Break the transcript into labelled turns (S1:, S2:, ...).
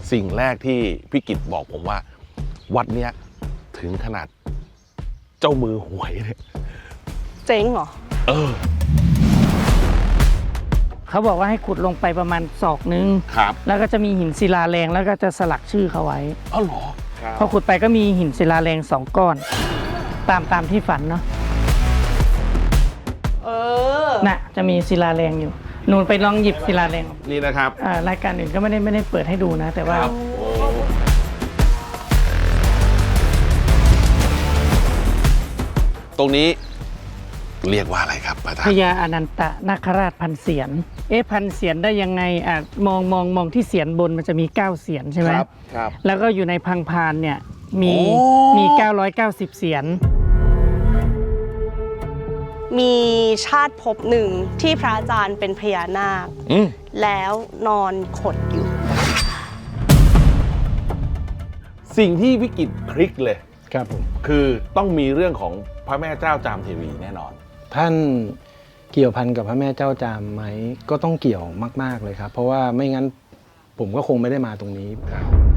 S1: สิ่งแรกที่พี่กิตบอกผมว่าวัดเนี้ยถึงขนาดเจ้ามือหวยเนี่ย
S2: เจ๊งเหรอ
S3: เขาบอกว่าให้ขุดลงไปประมาณศอกนึง
S1: ครับ
S3: แล้วก็จะมีหินศิลาแรงแล้วก็จะสลักชื่อเขาไว้
S1: อ๋อเหรอ
S3: พอขุดไปก็มีหินศิลาแรง2 ก้อนตามที่ฝันเนาะน่ะจะมีศิลาแรงอยู่หนูไปลองหยิบศิลาแรง
S1: นี่นะครับ
S3: รายการอื่นก็ไม่ได้เปิดให้ดูนะแต่ว่า
S1: ตรงนี้เรียกว่าอะไรครับอาจารย์
S3: พญาอนันตนาคราชพันเสียรพันเสียรได้ยังไงมองที่เสียรบนมันจะมี9เสียรใช่ไหม
S1: ครับ
S3: แล้วก็อยู่ในพังพานเนี่ยมี990เสียร
S2: มีชาติภพหนึ่งที่พระอาจารย์เป็นพญานาคแล้วนอนขดอยู่
S1: สิ่งที่วิกฤตคลิกเลย
S4: ครับผม
S1: คือต้องมีเรื่องของพระแม่เจ้าจามเทวีแน่นอน
S4: ท่านเกี่ยวพันกับพระแม่เจ้าจามไหมก็ต้องเกี่ยวมากๆเลยครับเพราะว่าไม่งั้นผมก็คงไม่ได้มาตรงนี้